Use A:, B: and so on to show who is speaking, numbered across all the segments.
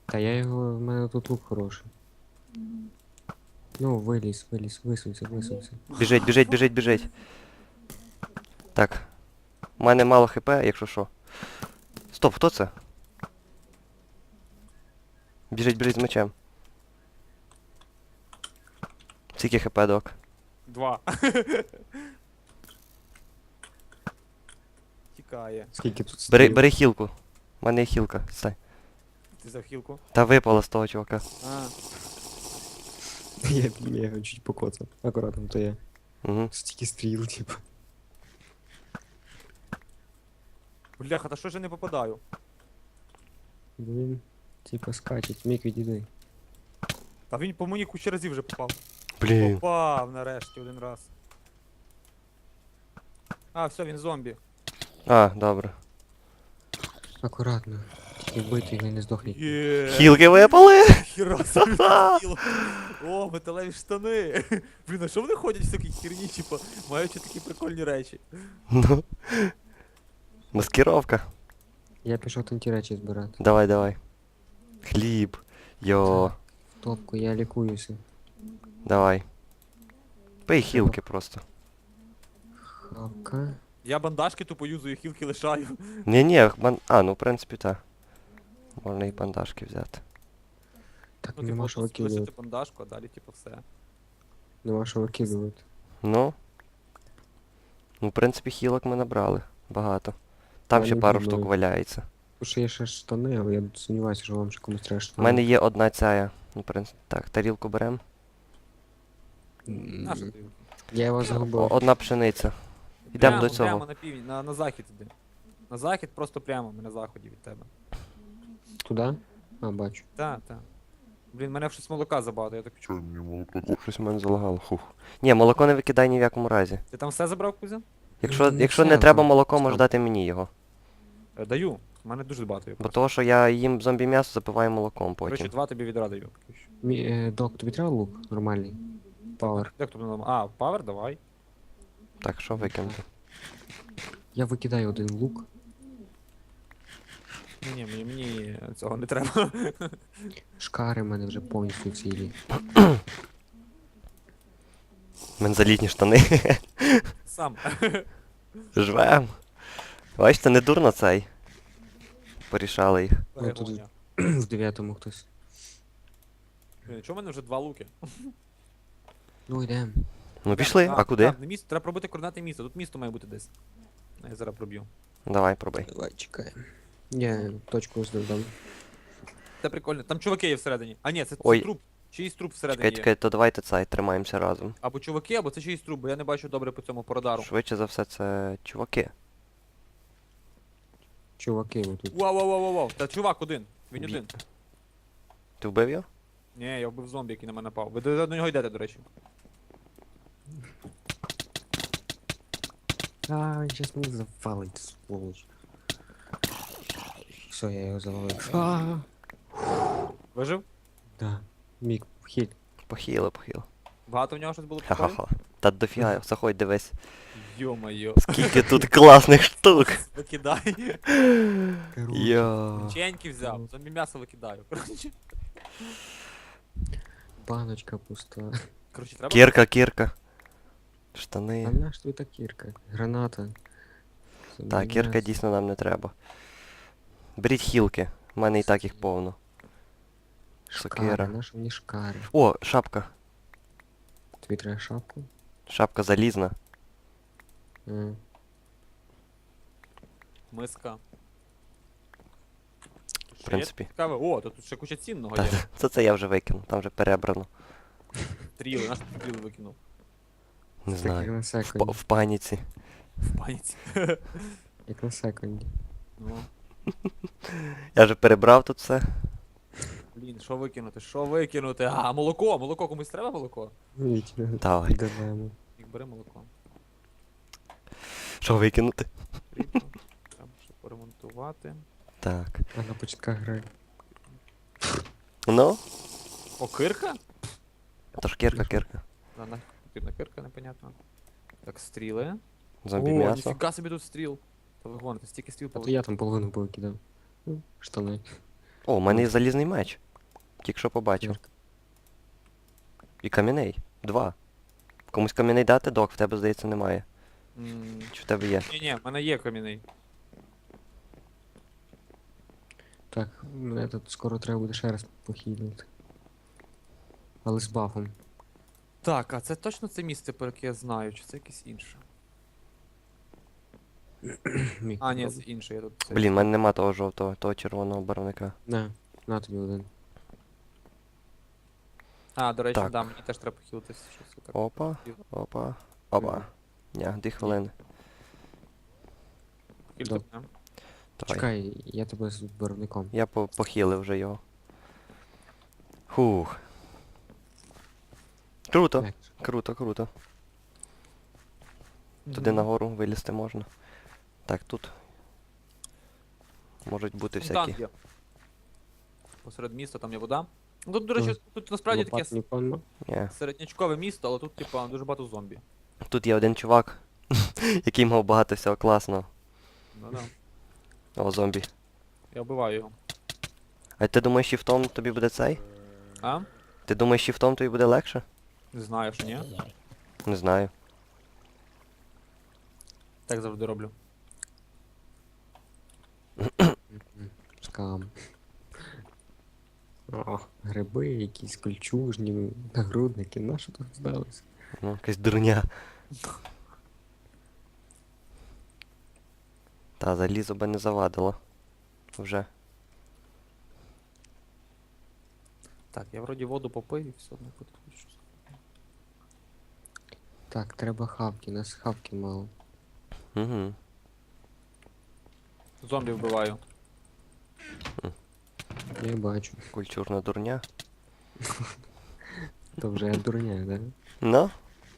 A: Та я його, в мене тут лук хороший. Ну, виліз, висунься.
B: Біжить, біжить, біжить, біжить. Так. У мене мало хп, якщо що. Стоп, хто це? Біжить, біжить з мечем. Скільки хп, док?
C: 2. Тікає.
A: Скільки тут
B: Бери,
A: стріл?
B: бери хілку. У мене є хілка. Стай.
C: Ти взяв хілку?
B: Та випала з того чувака.
C: А,
A: Я його чуть покоцав. Акуратно, то я.
B: Угу.
A: Стільки стріл, типу.
C: бляха, та що ж я не попадаю?
A: Він, типа, скачить. Мік, відійди.
C: Та він по мені кучу разів вже попав.
B: Блін.
C: Попав нарешті один раз. А, все, він зомбі.
B: А, добре.
A: Акуратно. Тільки вбити його і не здохніть.
C: Є.
B: Хілки випали!
C: Хіра собі тіло. О, металеві штани. Блін, а що вони ходять в такій херні, типу, маючи такі прикольні речі?
B: Ну. Маскировка.
A: Я пішов там ті речі збирати.
B: Давай, давай. Хліб. Йо.
A: В топку, я лікуюся.
B: Давай. Пий хілки просто.
A: Хапка.
C: Я бандажки тупо юзую, хілки лишаю.
B: Ні-ні, а, ну в принципі так. Можна і бандажки взяти.
A: Так,
C: Ну,
A: нема
C: типу,
A: що
C: тут
A: викидувати.
C: лишити бандажку, а далі, типу, все.
A: Нема що викидувати.
B: Ну. Ну, в принципі, хілок ми набрали. Багато. Там ще
A: Мене
B: пару
A: думаю.
B: штук валяється.
A: Тут ще є ще штани, але я сумніваюся, що вам ще комусь треба
B: У
A: штани.
B: мене є одна ця. Ну, в принципі. Так, тарілку беремо.
C: На що ти?
A: Я його загубив.
B: Одна пшениця. Йдемо до
C: Прямо
B: цього.
C: на північ, на захід іди. На захід просто прямо, ми на заході від тебе.
A: Туди? А, бачу.
C: Так, так. Блін, мене щось молока забагато, я так
D: Чё
C: чую.
D: мне молоко?
B: Щось у мене залагало. Хух. Ні, молоко не викидай ні в якому разі.
C: Ти там все забрав, Кузя?
B: Якщо,
A: Ну,
B: якщо
A: все,
B: не треба
A: там,
B: молоко,
A: там.
B: можеш дати мені його.
C: Даю. У мене дуже багато є.
B: Бо того, що я їм зомбі м'ясо, запиваю молоком
C: Коротше,
B: потім.
C: 2 тобі відра даю.
A: Док, тобі треба лук? Нормальний. Пауер.
C: Як тобі нам? А, павер, давай.
B: Так, що викинути?
A: Я викидаю один лук.
C: Ні, мені цього не треба.
A: Шкари в мене вже повністю цілі.
B: У мене залітні штани.
C: Сам.
B: Жвем. Бачите, не дурно цей. Порішали їх.
C: Перегоня.
A: В 9-му хтось.
C: Блін, чого в мене вже 2 луки?
A: Ну йдем.
B: Ну пішли, а куди?
C: Так, місто, треба пробити координати міста. Тут місто має бути десь. Я зараз проб'ю.
B: Давай, пробуй.
A: Давай, чекаємо. Я точку здав.
C: Це прикольно. Там чуваки є всередині. А ні, це
B: Ой.
C: труп. Чиїсь труп всередині
B: Чекай,
C: є.
B: чекай, то давайте цей, тримаємося разом.
C: Або чуваки, або це чиїсь труп, бо я не бачу добре по цьому по радару.
B: Швидше за все, це чуваки.
A: Чуваки отут.
C: Вау. Та чувак один. Він
B: Бі-
C: один.
B: Ти вбив його?
C: Ні, я вбив зомбі, який на мене напав. Ви до нього йдете, до речі.
A: А, він щас мене завалить, сволоч. Все, я його завалив. А,
C: Вижив?
A: да. Мік, вхід.
B: Похило, похило.
C: Багато в нього щось було прикольно?
B: Ха-ха-ха. Та дофіга, заходь, дивись.
C: Йо-моє.
B: Скільки тут класних штук.
C: Викидай.
B: Йо.
C: Печеньки взяв. Зомбі м'ясо викидаю.
A: Баночка пуста.
C: Коротше, треба.
B: Кірка, кірка.
A: А
B: Штани.
A: наш тут та кірка? Граната.
B: Так, кірка дійсно нам не треба. Беріть хілки. У мене і так їх повно.
A: Шкари,
B: сокира.
A: наші мені шкари.
B: О, шапка.
A: Тобі треба шапку?
B: Шапка залізна.
A: А.
C: Миска.
B: В принципі.
C: Цікаве. О, то тут ще куча цінного
B: Та,
C: є.
B: це я вже викинув, там вже перебрано.
C: Стріли, наш стріли викинув.
B: Не
A: Це як
B: знаю.
A: на
B: В
A: секунді.
B: в паніці.
C: В паніці.
A: Як на секунді.
C: Ну,
B: Я вже перебрав тут все.
C: блін, що викинути? Що викинути? А, молоко! Молоко, комусь треба молоко?
A: Вітя.
B: Давай.
A: Даємо.
C: Їх бери молоко.
B: Що викинути?
C: Потрібно. Треба ще поремонтувати.
B: Так.
A: А на початках грає.
B: Ну,
C: О, кирка?
B: то ж кірка, кірка.
C: Да, нахер потрібна кирка, непонятно. Так, стріли.
B: Зомбі
C: О,
B: м'ясо.
C: ніфіга собі тут стріл. Та ви гоните, стільки стріл
A: А то
C: повикидав.
A: я там половину повикидав. Ну, штани.
B: О, у мене є залізний меч. Тільки що побачив.
A: Ярко.
B: І кам'яний. 2. Комусь кам'яний дати, док, в тебе, здається, немає. Чи в тебе є?
C: Ні, в мене є кам'яний.
A: Так, мене тут скоро треба буде ще раз похилити. Але з бафом.
C: Так, а це точно це місце, про яке я знаю, чи це якесь інше?
A: Міг
C: А, ні, це
A: попробувати.
C: інше, я тут це.
B: Блін, в мене нема того жовтого, того червоного барвника.
A: На тобі один.
C: А, до речі,
B: Так.
C: да, мені теж треба похилитися щось отак.
B: Опа, опа, опа. Ня, 2 хвилини.
C: Кілька
A: Доб-
C: дня.
B: Давай.
A: Чекай, я тебе з барвником.
B: Я похилив вже його. Хух. Круто,
A: Як?
B: круто, круто. Туди нагору вилізти можна. Так, тут можуть бути
C: Фонтан
B: всякі.
C: є. Посеред міста там є вода. Ну, тут, до речі, тут насправді таке
A: Лопат ніколи.
B: Ні.
C: середнячкове місто, але тут, типа, дуже багато зомбі.
B: Тут є один чувак, який мав багато всього класного.
C: Ну-да.
B: О, зомбі.
C: Я вбиваю його.
B: А ти думаєш, шіфтом тобі буде цей?
C: А?
B: Ти думаєш, шіфтом тобі буде легше?
C: Не знаю, що ні.
B: Не знаю.
C: Так завжди роблю.
A: Скам. О, гриби, якісь кольчужні, нагрудники, на що тут здалося?
B: Ну, якась дурня. Та, залізо би не завадило. Вже.
C: Так, я вроді воду попив і все одно підключу.
A: Так, треба хавки, нас хавки мало.
B: Угу.
C: Зомбі вбиваю.
A: Я бачу.
B: Культурна дурня.
A: То вже дурня, да?
B: Ну,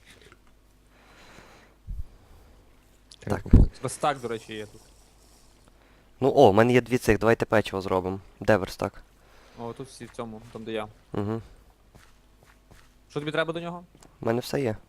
A: Треба
B: Так.
A: попити.
C: Верстак, до речі, є тут.
B: ну о, в мене є 2 цих, давайте печиво зробимо. Де верстак?
C: О, тут всі в цьому, там де я.
B: Угу.
C: Що тобі треба до нього?
B: У мене все є.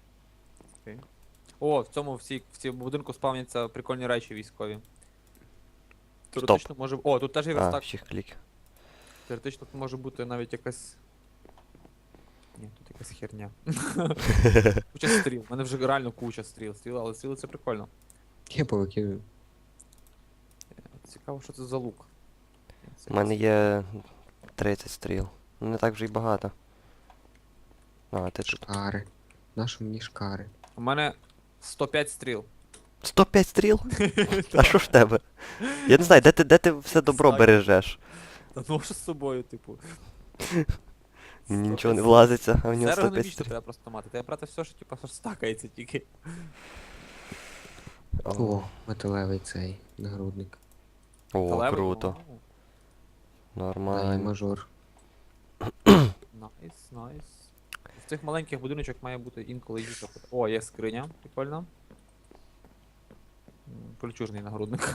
C: О, в цьому в цій будинку спавняться прикольні речі військові.
B: Стоп.
C: Теоретично може. О, тут теж є
B: А,
C: верстак.
B: всіх клік.
C: Теоретично тут може бути навіть якась. Ні, тут якась херня. Куча стріл. У мене вже реально куча стріл. Але стріли це прикольно.
A: Я повикидаю.
C: Цікаво, що це за лук.
B: У мене є 30 стріл. Ну не так вже й багато. А, ти тут.
A: Шкари. Нащо мені шкари?
C: У мене 105 стріл.
B: 105 стріл? А що ж в тебе? Я не знаю, де ти все добро
C: Знаю.
B: бережеш?
C: Та ну що з собою, типу.
B: Мені нічого не влазиться, а в нього
C: Це
B: 105
C: ергономічно
B: стріл.
C: треба просто мати. Треба брати все, що типу, що стакається тільки.
A: О, металевий цей нагрудник.
B: О,
C: Металевий,
B: круто.
C: вау.
A: А, і
B: Нормально.
A: мажор.
C: Найс, найс. В цих маленьких будиночок має бути інколи їжа. О, є скриня, прикольно. Кольчужний нагрудник.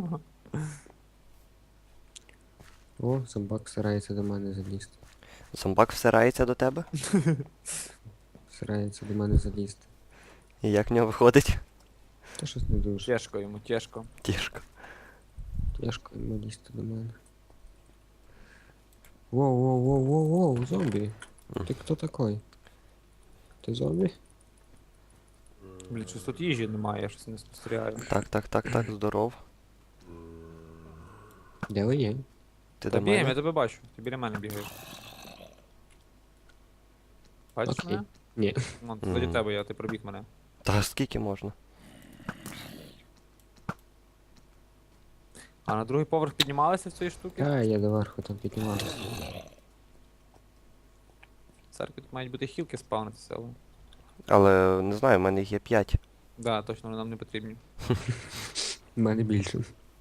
A: О, зомбак старається до мене залізти.
B: Зомбак всирається до тебе?
A: Старається до мене залізти.
B: І як в нього виходить?
A: Та щось не дуже.
C: Тяжко йому, тяжко.
B: Тішко.
A: Тяжко йому лізти до мене. Воу, зомбі. Ти хто такой? Ти зомбі?
C: Блін, щось тут їжі немає, я щось не спостерігаю.
B: Так, здоров.
A: Де ви є?
B: Ти
C: Та
B: до
C: бігаємо, я
B: мене?
C: тебе бачу. Ти біля мене бігаєш. Бачиш
A: Окей.
C: мене?
A: Ні.
C: Вон, ззаді тебе я, ти пробіг мене.
B: Та скільки можна?
C: А на другий поверх піднімалися в цієї штуки?
A: А, я доверху там піднімався.
C: В церкві тут мають бути хілки спавнитися, але.
B: Але не знаю, в мене їх є 5.
C: Да, точно вони нам не потрібні.
A: У мене більше.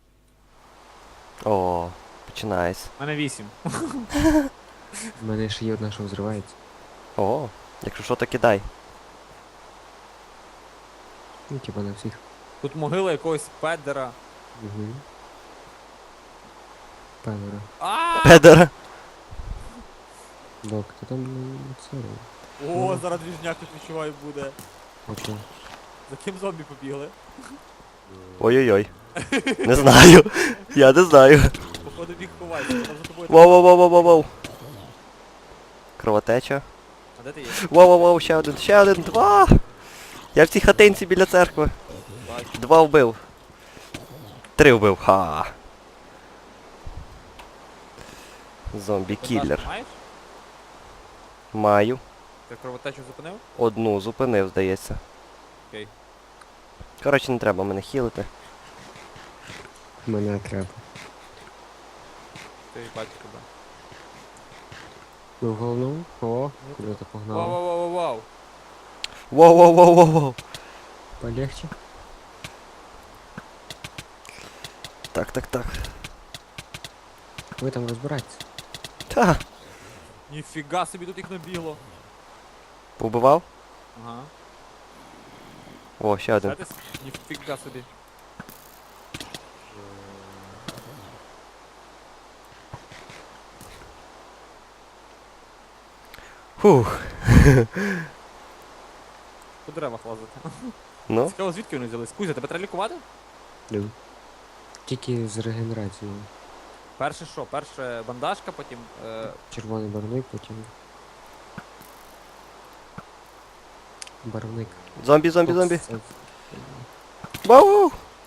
B: О, починається.
C: У мене 8.
A: У мене ще є одна, що взривається.
B: О, якщо що, то кидай.
A: Ну, типа на всіх.
C: Тут могила якогось педера.
A: Угу. Певера.
C: А!
B: Педер!
A: Док, ти там не це робиш.
C: О, зараз двіжняк тут відчуваю буде.
A: Окей.
C: За ким зомбі побігли?
B: Ой-ой-ой. Не знаю. Я не знаю.
C: Походу Ходи біг ховайся, вона за тобою.
B: Воу-воу-воу-воу-воу. Кровотеча.
C: А де ти є?
B: Воу-воу-воу, ще один, два! Я в цій хатинці біля церкви.
C: Бачу.
B: 2 вбив. 3 вбив, ха. Зомбі-кіллер.
C: Бандаж маєш?
B: Маю.
C: Ти кровотечу зупинив?
B: Одну зупинив, здається.
C: Окей.
B: Коротше, не треба мене хілити.
A: Мене треба.
C: Ти бачу тебе.
A: Ви в головному? О, куди ти погнав?
C: Вау-вау-вау-вау.
B: Воу-воу-воу-воу-воу.
A: Полегче?
B: Так.
A: Ви там розбирайтесь.
B: Та.
C: Ніфіга собі тут їх набігло.
B: Побивав?
C: Ага.
B: О, ще один.
C: Знаєте, ніфіга собі.
B: Фух.
C: По деревах лазити.
B: Ну,
C: Цікаво, звідки вони взялись? Кузя, тебе треба лікувати?
A: Ну. Тільки з регенерацією.
C: Перше що? Перше бандажка, потім...
A: Червоний барвник, потім. Барвник.
B: зомбі.
A: Це-
B: Вау!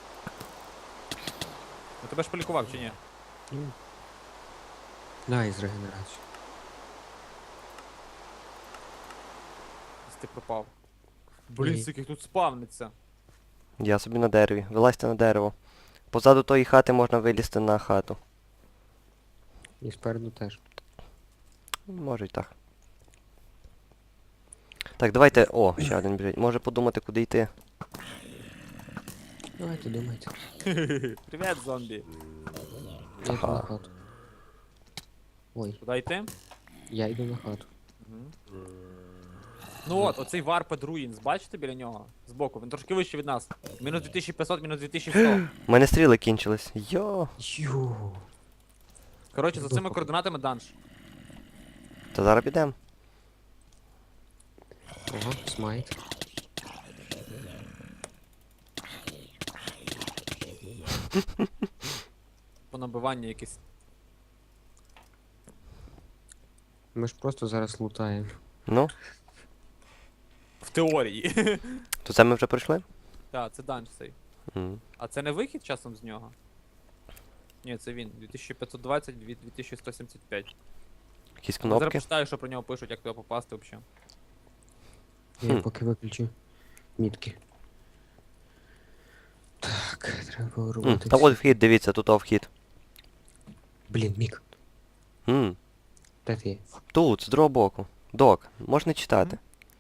C: Ну тебе ж полікував чи ні?
A: Ну. Дай з регенерацією.
C: Ось ти пропав. Блін,
A: Ні.
C: скільки їх тут спавниться.
B: Я собі на дереві. Вилазьте на дерево. Позаду тої хати можна вилізти на хату.
A: І спереду теж.
B: Може й так. Так, давайте. О, ще один біжить. Може подумати, куди йти.
A: Давайте думайте.
C: Привіт, зомбі.
A: Я йду на хату. Ой,
C: Куди йти?
A: я йду на хату.
C: Мгм. Ну от, оцей Warped Ruins, бачите біля нього? Збоку, він трошки вище від нас. Мінус 2500, мінус 2100.
B: У мене стріли кінчились. Йо.
A: Йо.
C: Коротше, за цими координатами данж.
B: Та зараз підемо.
A: Ага, смайт.
C: По набиванню якесь.
A: Ми ж просто зараз лутаємо.
B: Ну,
C: В теорії.
B: то це ми вже пройшли?
C: Так, це данж цей.
B: М.
C: А це не вихід часом з нього? Ні, це він. 2520 від 2175.
B: Якісь
C: Я зараз
B: кнопки.
C: почитаю, що про нього пишуть, як туди попасти взагалі.
A: Я
B: Хм.
A: поки виключу мітки. Так, треба
B: М,
A: робити.
B: Та от вхід, дивіться, тут вхід.
A: Блін, Мік,
B: М,
A: де ти є?
B: Тут, з другого боку. Док, можна читати.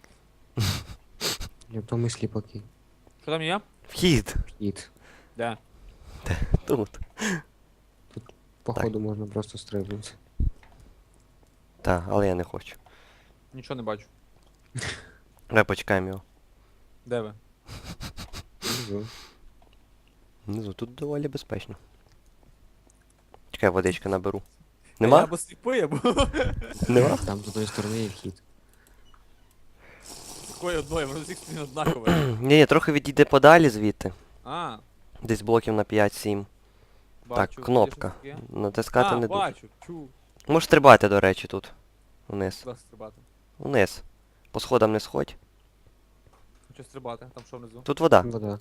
A: Я помислі поки.
C: Що там є?
B: Вхід.
A: Їд.
C: Де?
B: Тут.
A: Походу можна просто стрибнути.
B: Так, але я не хочу.
C: Нічого не бачу.
B: Давай почекаємо його.
C: Де ви?
A: Внизу.
B: Внизу тут доволі безпечно. Чекай, водички наберу.
C: Я
B: Нема?
C: або сліпий, або
B: Нема?
A: Там з одної сторони є вхід.
C: такої одної, воно з всіх сторін однакове.
B: Ні, трохи відійде подалі звідти.
C: А,
B: Десь блоків на 5-7.
C: бачу.
B: Так, кнопка.
C: Є щось таке?
B: Натискати
C: А,
B: не дуже.
C: бачу, чу.
B: Можеш стрибати, до речі, тут. Вниз.
C: Куди стрибати?
B: Вниз. По сходам не сходь.
C: Хочу стрибати, там що внизу?
B: Тут вода.
A: Вода.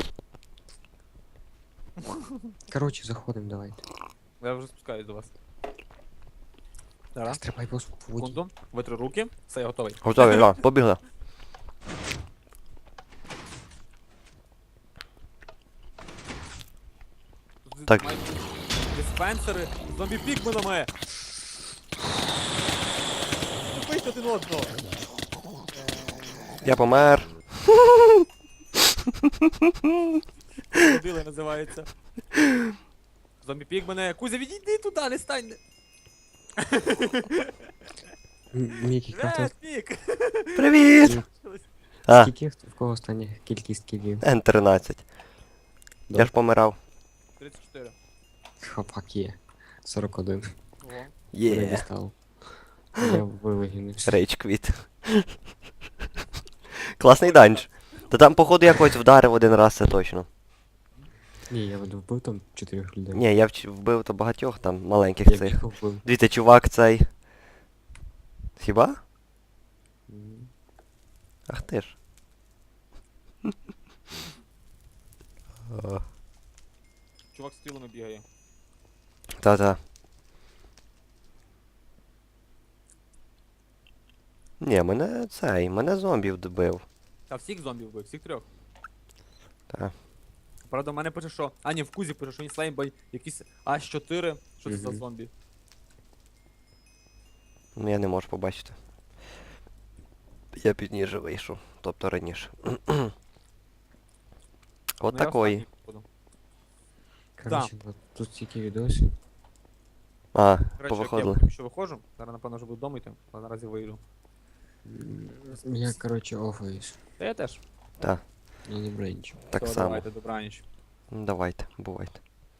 A: Коротше, заходимо, давайте.
C: Я вже спускаюсь до вас. Зараз,
A: Стрибай по воді.
C: секунду. Витру руки. Все, я готовий.
B: Готові, да, побігли.
C: Тут
B: Так.
C: мають диспенсери з зомбі-пікменами. Тупить один одного.
B: Я помер.
C: Ходили називається. Зомбі-пікмени. Кузя, відійди туди, не стань.
A: Мік, яка
C: Привет, пік.
B: Привіт! А,
A: Скільки в кого остання кількість кілів?
B: N13. Я ж помирав.
C: 34.
A: Хапак є. 41.
C: Ого.
A: Я
B: Є.
A: дістав. Я вивигнувся.
B: Рейдж квіт. Класний данж. Та там, походу, я когось вдарив один раз, це точно.
A: Ні, я вбив там 4 людей.
B: Ні, я вбив то багатьох там маленьких
A: Я
B: цих.
A: бігав вбив.
B: Дивіться, чувак цей. Хіба?
A: М.
B: Ах ти ж.
C: Чувак з стрілами бігає.
B: Та-та. Ні, мене зомбі добив.
C: Та всіх зомбів вбив, всіх трьох.
B: Та.
C: Правда, в мене пише, що. А, ні, в Кузі пише, що він слаймбай якийсь H4. Що це за
A: Мгм.
C: зомбі?
B: Ну я не можу побачити. Я пізніше вийшов, тобто раніше. От
C: Ну, я
B: такої.
C: останній, походу.
A: Коротше, тут стільки відосів.
B: А,
C: Коротше, як я
B: повиходили.
C: поки що виходжу, зараз напевно вже буду вдома йти, але наразі вийду.
A: Я, коротше, офаюсь.
C: Та я теж.
B: Так,
A: Я не браю нічого.
B: так
C: Все,
B: само.
C: Давайте, добраніч.
B: Ну, давайте, бувайте.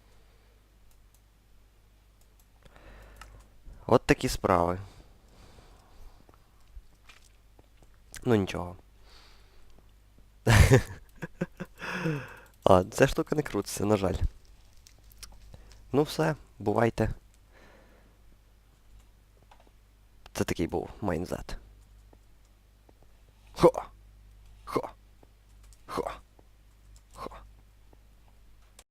B: От такі справи. Ну нічого. А, ця штука не крутиться, на жаль. Ну все, бувайте. Це такий був майнзет.